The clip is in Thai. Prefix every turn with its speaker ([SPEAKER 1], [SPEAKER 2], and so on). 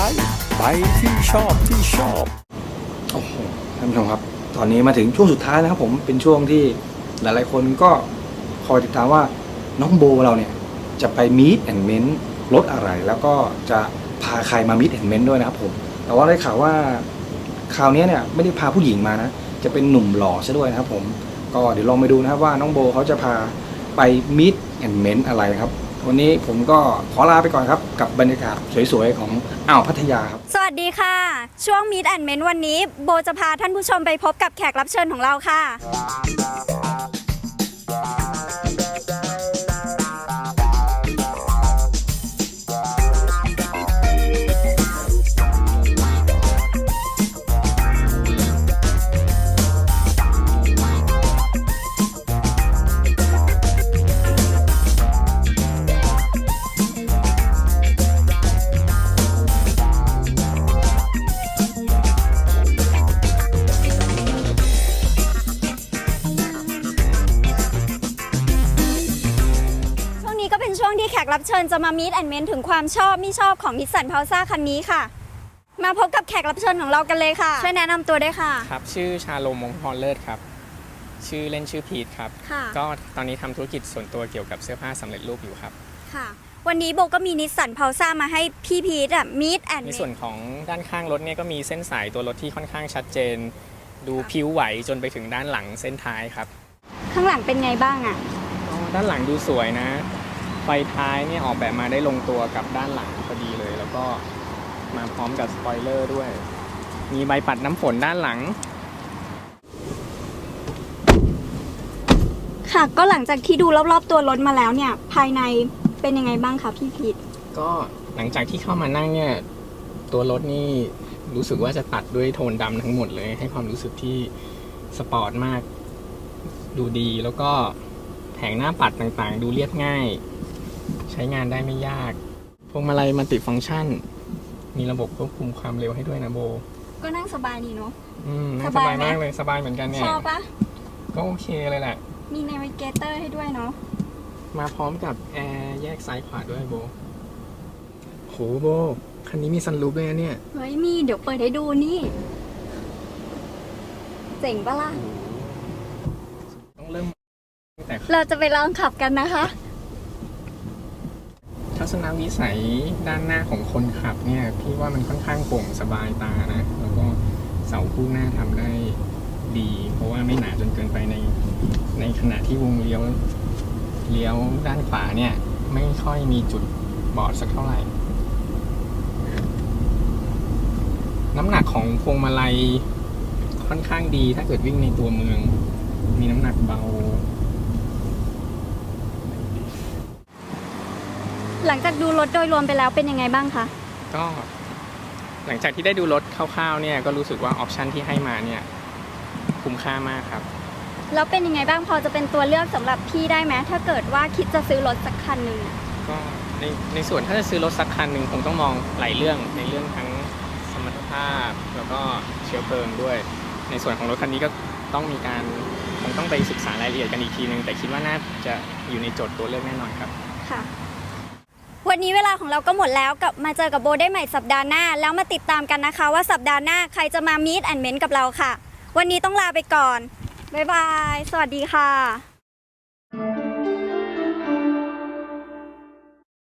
[SPEAKER 1] ลค์ไปที่ชอบโอ้โหท่านผู้ชมครับตอนนี้มาถึงช่วงสุดท้ายแล้วครับผมเป็นช่วงที่หลายๆคนก็คอยติดตามว่าน้องโบเราเนี่ยจะไปมีตแอนด์เมนต์รถอะไรแล้วก็จะพาใครมามีตแอนด์เมนต์ด้วยนะครับผมแต่ว่าได้ข่าวว่าคราวนี้เนี่ยไม่ได้พาผู้หญิงมานะจะเป็นหนุ่มหล่อซะด้วยนะครับผมก็เดี๋ยวลองไปดูนะครับว่าน้องโบเขาจะพาไปมีตแอนด์เมนต์อะไรครับวันนี้ผมก็ขอลาไปก่อนครับกับบรรยากาศสวยๆของอ่าวพัทยาครับ
[SPEAKER 2] สวัสดีค่ะช่วง Meet and Ment วันนี้โบจะพาท่านผู้ชมไปพบกับแขกรับเชิญของเราค่ะช่วงที่แขกรับเชิญจะมา Meet and Ment ถึงความชอบไม่ชอบของนิสสันพาวซ่าคันนี้ค่ะมาพบกับแขกรับเชิญของเรากันเลยค่ะช่วยแนะนำตัวด้วยค่ะ
[SPEAKER 3] ครับชื่อชาโลม มงคลพรเลิศครับชื่อเล่นชื่อพีทครับก็ตอนนี้ทำธุรกิจส่วนตัวเกี่ยวกับเสื้อผ้าสำเร็จรูปอยู่ครับ
[SPEAKER 2] ค่ะวันนี้โบก็มีนิสสันพาวซ่ามาให้พี่พีทMeet and Ment
[SPEAKER 3] ในส่วนของด้านข้างรถเนี่ยก็มีเส้นสายตัวรถที่ค่อนข้างชัดเจนดูผิวไหวจนไปถึงด้านหลังเส้นท้ายครับ
[SPEAKER 2] ข้างหลังเป็นไงบ้าง
[SPEAKER 3] ด้านหลังดูสวยนะไฟท้ายเนี่ยออกแบบมาได้ลงตัวกับด้านหลังพอดีเลยแล้วก็มาพร้อมกับสปอยเลอร์ด้วยมีใบปัดน้ำฝนด้านหลัง
[SPEAKER 2] ค่ะก็หลังจากที่ดูรอบๆตัวรถมาแล้วเนี่ยภายในเป็นยังไงบ้างคะพี่พีท
[SPEAKER 3] ก็หลังจากที่เข้ามานั่งเนี่ยตัวรถนี่รู้สึกว่าจะตัดด้วยโทนดำทั้งหมดเลยให้ความรู้สึกที่สปอร์ตมากดูดีแล้วก็แผงหน้าปัดต่างๆดูเรียบง่ายใช้งานได้ไม่ยากพวงมาลัยมัลติฟังก์ชันมีระบบควบคุมความเร็วให้ด้วยนะโบ
[SPEAKER 2] ก็นั่งสบายดีเนาะ
[SPEAKER 3] นั่งสบายมากเลยสบายเหมือนกันเนี่ย
[SPEAKER 2] ชอบปะ
[SPEAKER 3] ก็โอเคเลยแหละ
[SPEAKER 2] มีเนวิเกเตอร์ให้ด้วยเนาะ
[SPEAKER 3] มาพร้อมกับแอร์แยกซ้ายขวาด้วยโบโหโบคันนี้มีซันรูฟด้วยนะเนี่ย
[SPEAKER 2] เฮ้ยมีเดี๋ยวเปิดให้ดูนี่เจ๋งปะล่ะ
[SPEAKER 3] ต้องเริ่มแต่
[SPEAKER 2] เราจะไปลองขับกันนะคะ
[SPEAKER 3] ทัศนวิสัยด้านหน้าของคนขับเนี่ยพี่ว่ามันค่อนข้างโปร่งสบายตานะแล้วก็เสาคู่หน้าทำได้ดีเพราะว่าไม่หนาจนเกินไปในขณะที่วงเลี้ยวด้านขวาเนี่ยไม่ค่อยมีจุดบอดสักเท่าไหร่น้ำหนักของพวงมาลัยค่อนข้างดีถ้าเกิดวิ่งในตัวเมืองมีน้ำหนักเบา
[SPEAKER 2] หลังจากดูรถโดยรวมไปแล้วเป็นยังไงบ้างคะ
[SPEAKER 3] ก็หลังจากที่ได้ดูรถคร่าวๆเนี่ยก็รู้สึกว่าออปชันที่ให้มาเนี่ยคุ้มค่ามากครับ
[SPEAKER 2] แล้วเป็นยังไงบ้างพอจะเป็นตัวเลือกสำหรับพี่ได้ไหมถ้าเกิดว่าคิดจะซื้อรถสักคันหนึ่ง
[SPEAKER 3] ก็ในส่วนถ้าจะซื้อรถสักคันหนึ่งคงต้องมองหลายเรื่องในเรื่องทั้งสมรรถภาพแล้วก็เชื้อเพลิงด้วยในส่วนของรถคันนี้ก็ต้องมีการคงต้องไปศึกษารายละเอียดกันอีกทีนึงแต่คิดว่าน่าจะอยู่ในโจทย์ตัวเลือกแน่นอนครับ
[SPEAKER 2] ค่ะวันนี้เวลาของเราก็หมดแล้วกลับมาเจอกับโบได้ใหม่สัปดาห์หน้าแล้วมาติดตามกันนะคะว่าสัปดาห์หน้าใครจะมา Meet and Ment กับเราค่ะวันนี้ต้องลาไปก่อนบ๊ายบายสวัสดีค่ะ